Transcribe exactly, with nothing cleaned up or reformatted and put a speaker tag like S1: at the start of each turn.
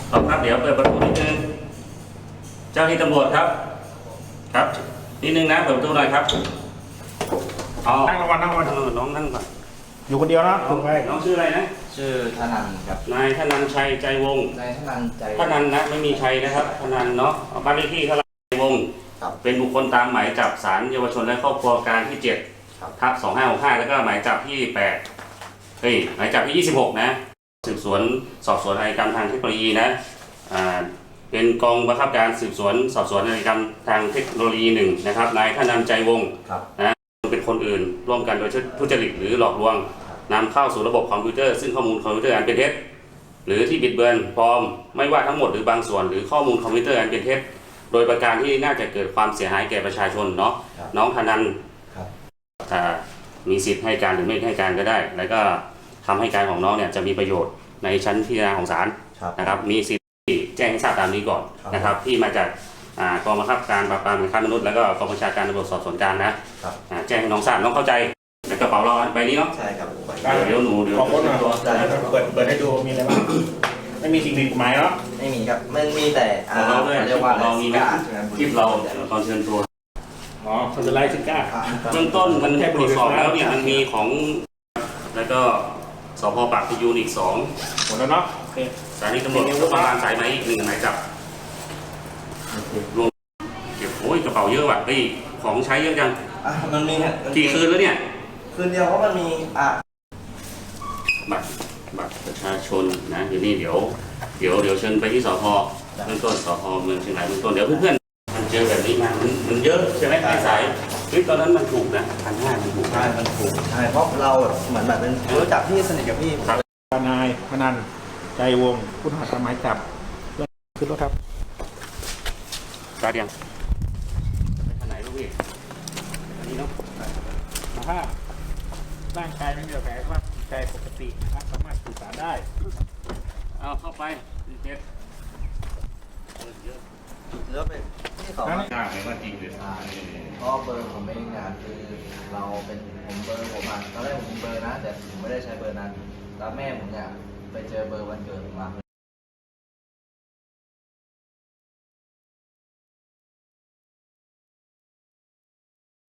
S1: ขอบครับเดี๋ยวเปิดประตูนิดนึงเจ้าที่ตำรวจครับครับนิดนึงนะเปิดประตูหน่อยครับอ๋อ
S2: นั่งรางวัลนั่งรางวัล
S1: เออน้องนั่งก่อน
S2: อยู่คนเดียวนะ
S1: น้องน้องชื่ออะไรนะ
S3: ชื่อธนันครับ
S1: นายธนันชัยใจวงศ์
S3: นายธนันใจ
S1: ธนันนะไม่มีชัยนะครับธนันเนาะบ้านเลขที่เท่าไหร่ใจวงศ์
S3: ครับ
S1: เป็นบุคคลตามหมายจับศาลเยาวชนและครอบครัวกลางที่เจ็ด
S3: ครับ
S1: ทับสองห้าหกห้าแล้วก็หมายจับที่แปดเฮ้ยหมายจับที่ยี่สิบหกนะสืบสวนสอบสวนอาชญากรรมทางเทคโนโลยีนะอ่าเป็นกองบังคับการสืบสวนสอบสวนอาชญากรรมทางเทคโนโลยีหนึ่งนะครับนายธนันใจวงศ์
S3: ครับ
S1: นะเป็นคนอื่นร่วมกันโดยทุจริตหรือหลอกลวงนำเข้าสู่ระบบคอมพิวเตอร์ซึ่งข้อมูลคอมพิวเตอร์อันเป็นเท็จหรือที่บิดเบือนปลอมไม่ว่าทั้งหมดหรือบางส่วนหรือข้อมูลคอมพิวเตอร์อันเป็นเท็จโดยประการที่น่าจะเกิดความเสียหายแก่ประชาชนเนาะน้องธนัน
S3: ครับ
S1: อ่ามีสิทธิ์ให้การหรือไม่ให้การก็ได้ แล้วก็ทำให้การของน้องเนี่ยจะมีประโยชน์ในชั้นพิจารณาของศาล
S3: ครับ
S1: นะครับมีสิทธิ์ที่แจ้งให้ทราบตามนี้ก่อน
S3: ครับ
S1: นะครับที่มาจากอ่ากองบังคับการปราบปรามการค้ามนุษย์แล้วก็กองบัญชาการตำรวจสอบสวนกลางนะครับ อ่าแจ้งให้น้องทราบน้องเข้าใจในกระเป๋าเราใบนี้เนาะ
S3: ใช่ครับผม
S1: เดี๋ยวเดี๋ยวหนูเดี๋ยว
S2: ขอบคุณนะ
S1: ตัว
S3: ได้ครับ
S2: เปิดเปิดให้ดูมีอะไรบ้างไม่มีสิ่งผิดกฎหมายเนาะ
S3: ไม่มีครับมันมีแต่
S1: ข
S3: อ่า
S1: องเราด้วย
S3: เรียกว่า
S1: เรามีไหม
S3: กา
S1: คลิปเราตอนเชิญตัว
S2: อ๋อคนจะไล่ซิก้า
S3: อ่า
S1: เบื้องต้นมันตรวจสอบแล้วเนี่ยมันมีของแล้วก็สพปากพยูนอีกสอง
S2: หมดแล้วเนาะโอเค
S1: สถานีตำรวจนครบาลสายไหมอีกหนึ่งหมายจับรวมเก็บโอ้ยกระเป๋าเยอะว่ะเฮ้ยของใช้เยอะจัง
S3: อ่ะมันมีฮะ
S1: กี่คืนแล้วเนี่ย
S3: คืนเดียวเพราะมันมีอ่ะ
S1: บัตรบัตรประชาชนนะเดี๋ยวนี้เดี๋ยวเดี๋ยวเดี๋ยวเชิญไปที่สพเบื้องต้นสพเมืองเชียงรายเบื้องต้นเดี๋ยวเพื่อนๆมันเจอแบบนี้มามันมันเยอะใช่ไหมในสายเฮ้ยตอนนั้นมันถูกนะพันห้ามันถูก
S3: ใช่มันถูกใช่เพราะเราแบบเหมือนแบบเป็นรู้จักพี่สนิทกับพี่
S2: นายพนันใจวงศ์ผู้ต้องหาตามหมายจับขึ้นรถครับ
S1: ตาเดียงไปทางไหนลูกพี่อันนี้เนาะ
S2: สภาพร่างกายไม่มีบาดแผลว่าจิตใจปกตินะครับสามารถสื่อสารได้
S1: เอาเข้าไปเจ็ดเยอะ
S3: หรือว่าเป็นที่เขา
S1: กล้าไหมว่าจริงหรือ
S3: อ่าเพราะเบอร์ผมเองเนี่ยคือเราเป็นผมเบอร์ผมอ่ะตอนแรกผมมีเบอร์นะแต่ผมไม่ได้ใช้เบอร์นั้นแล้วแม่ผมเนี่ยไปเจอเบอร์วันเกิดผมมา